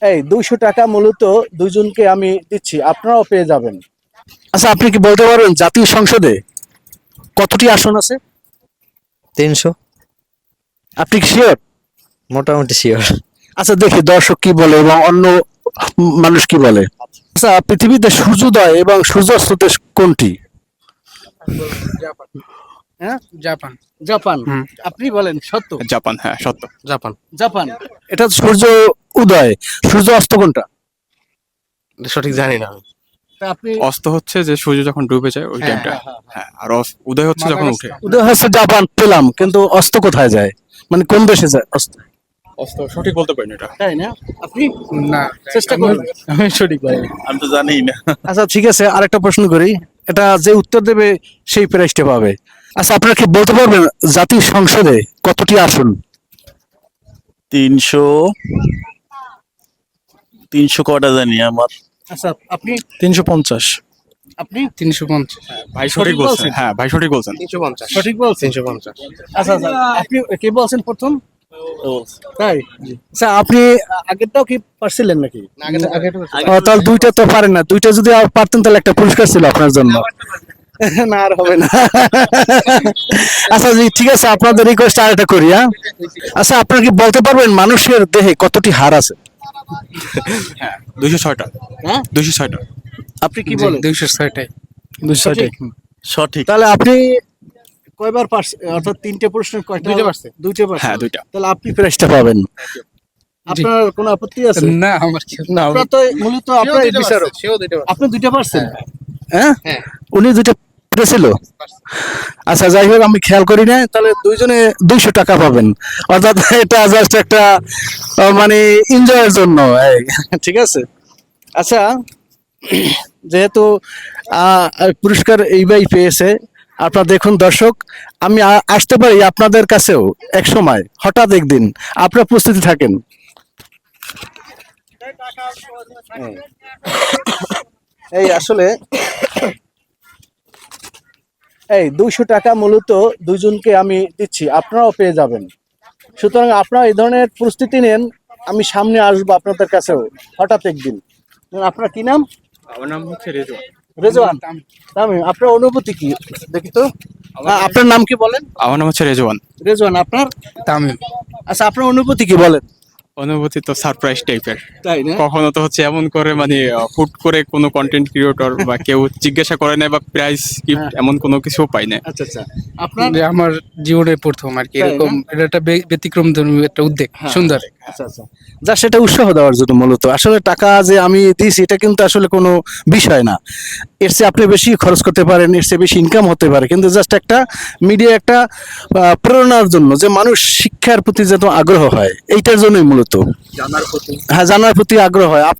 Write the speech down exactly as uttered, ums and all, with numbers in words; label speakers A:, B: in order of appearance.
A: এই দুইশো টাকা মূলত দুইজনকে আমি দিচ্ছি, আপনারাও পেয়ে যাবেন। আচ্ছা, আপনি কি বলতে পারবেন জাতীয় সংসদে কতটি আসন আছে?
B: তিনশো।
A: আপনি কি শিওর?
B: মোটামুটি শিওর।
A: আচ্ছা, দেখি দর্শক কি বলে এবং অন্য মানুষ কি বলে। আচ্ছা, পৃথিবীতে সূর্যোদয় এবং সূর্যাস্ত দেশ কোনটি? হ্যাঁ,
C: জাপান।
A: জাপান।
C: হুম।
A: আপনি বলেন সত্য?
D: জাপান, হ্যাঁ সত্য।
C: জাপান।
A: জাপান। এটা সূর্য উদয়, সূর্য অস্ত কোনটা?
C: সঠিক জানি না আমি।
A: তা আপনি
D: অস্ত হচ্ছে যে সূর্য যখন ডুবে যায় ওই
C: হ্যাঁ,
D: টাইমটা, হ্যাঁ। আর অস- উদয় হচ্ছে যখন উঠে।
A: উদয় হচ্ছে জাপান পেলাম, কিন্তু অস্ত কোথায় যায়, মানে কোন দেশে যায় অস্ত?
D: অস্ত সঠিক বলতে পারি না এটা।
A: তাই না? আপনি
C: না,
A: চেষ্টা করুন।
C: আমি সঠিক বলি।
D: আমি তো জানি না।
A: আচ্ছা, ঠিক আছে, আরেকটা প্রশ্ন করি, এটা যে উত্তর দেবে সেই প্রাইজটা পাবে। আচ্ছা, আপনারা কি বলতে পারবেন জাতীয় সংসদে কতটি আসন?
E: তিনশো তিনশো কটা জানি আমার।
A: আচ্ছা, আপনি
B: তিনশো পঞ্চাশ।
A: আপনি
C: তিনশো পঞ্চাশ।
D: ভাই
A: সঠিক
D: সঠিক বলছেন,
A: বলছেন?
D: হ্যাঁ ভাই সঠিক বলছেন।
C: তিনশো পঞ্চাশ।
A: সঠিক বলছেন?
C: তিনশো পঞ্চাশ।
A: আচ্ছা আচ্ছা, আপনি কে বলছেন প্রথম? তাই? আচ্ছা, আপনি আগেরটাও কি পারছিলেন নাকি? ও, তাহলে দুইটা তো পারেন না, দুইটা যদি আর পারতেন তাহলে একটা পুরস্কার ছিল আপনার জন্য। না, আর হবে না। আচ্ছা জি, ঠিক আছে, আপনাদের রিকোয়েস্ট আর একটা করি। হ্যাঁ, আচ্ছা, আপনারা কি বলতে পারবেন মানুষের দেহে কতটি হাড় আছে?
D: হ্যাঁ দুইশো ছয়টা।
A: হ্যাঁ,
D: দুইশো ছয়টা।
A: আপনি কি বলেন?
C: দুইশো ছয়টাই।
A: সঠিক?
E: সঠিক।
A: তাহলে আপনি কয়বার পারছেন, অর্থাৎ তিনটে প্রশ্ন কয়টা?
C: দুইটা পারছে।
A: দুইটা পারছেন।
D: হ্যাঁ দুইটা।
A: তাহলে আপনি প্রাইজটা পাবেন। আপনার কোনো আপত্তি আছে?
C: না, আমার কেউ না।
A: আপনার তো মূলত আপনার বিচারক,
C: সেও দুইটা পারছে।
A: আপনি দুইটা পারছেন? হ্যাঁ,
C: হ্যাঁ।
A: উনি দুইটা পেরেছিল। আচ্ছা, যাই হোক, আমি খেয়াল করি না, তাহলে দুইজনে দুইশো টাকা পাবেন, অর্থাৎ এটা জাস্ট একটা আহ, মানে এনজয়ের জন্য। এই, ঠিক আছে। আচ্ছা, যেহেতু আহ, পুরস্কার এই ভাই পেয়েছে, আপনারা দেখুন দর্শক, আমি আ- আসতে পারি আপনাদের কাছেও এক সময়, হঠাৎ একদিন, আপনারা প্রস্তুতি থাকেন। এই আসলে এই দুইশো টাকা মূলত দুইজনকে আমি দিচ্ছি, আপনারাও পেয়ে যাবেন। সুতরাং আপনারা এই ধরনের প্রস্তুতি নেন, আমি সামনে আসবো আপনাদের কাছেও হঠাৎ একদিন। আপনার কি নাম?
D: আমার নাম হচ্ছে রেজওয়ান।
A: রেজওয়ান। তামিম, আপনার অনুভূতি কি দেখি তো? আ, আপনার নাম কি বলেন?
D: আমার নাম হচ্ছে রেজওয়ান।
A: রেজওয়ান, আপনার?
C: তামিম।
A: আচ্ছা, আপনার অনুভূতি কি বলেন?
D: অনুভূতি তো সারপ্রাইজ টাইপের।
A: তাই না?
D: কখনো তো হচ্ছে এমন করে মানে হুট করে কোনো কন্টেন্ট ক্রিয়েটর বা কেউ জিজ্ঞাসা করে না বা প্রাইস গিফট
A: হ্যাঁ।
D: এমন কোনো কিছু পাই না।
A: আচ্ছা আচ্ছা, আপনার?
C: যে আমার জীবনের প্রথম আর কি
A: তাই না?
C: এরকম, এটা একটা বে- ব্যতিক্রম ধর্মী একটা উদ্যোগ।
A: হ্যাঁ।
C: সুন্দর।
A: আচ্ছা আচ্ছা, যা সেটা উৎসাহ দেওয়ার জন্য মূলত। আসলে টাকা যে আমি দিয়েছি এটা কিন্তু আসলে কোনো বিষয় না, এর চেয়ে আপনি বেশি খরচ করতে পারেন, এর চেয়ে বেশি ইনকাম হতে পারে, কিন্তু জাস্ট একটা মিডিয়া একটা আহ, প্রেরণার জন্য, যে মানুষ শিক্ষার প্রতি যত আগ্রহ হয় এইটার জন্যই মূলত।
D: জানার প্রতি
A: হ্যাঁ, জানার প্রতি আগ্রহ হয়।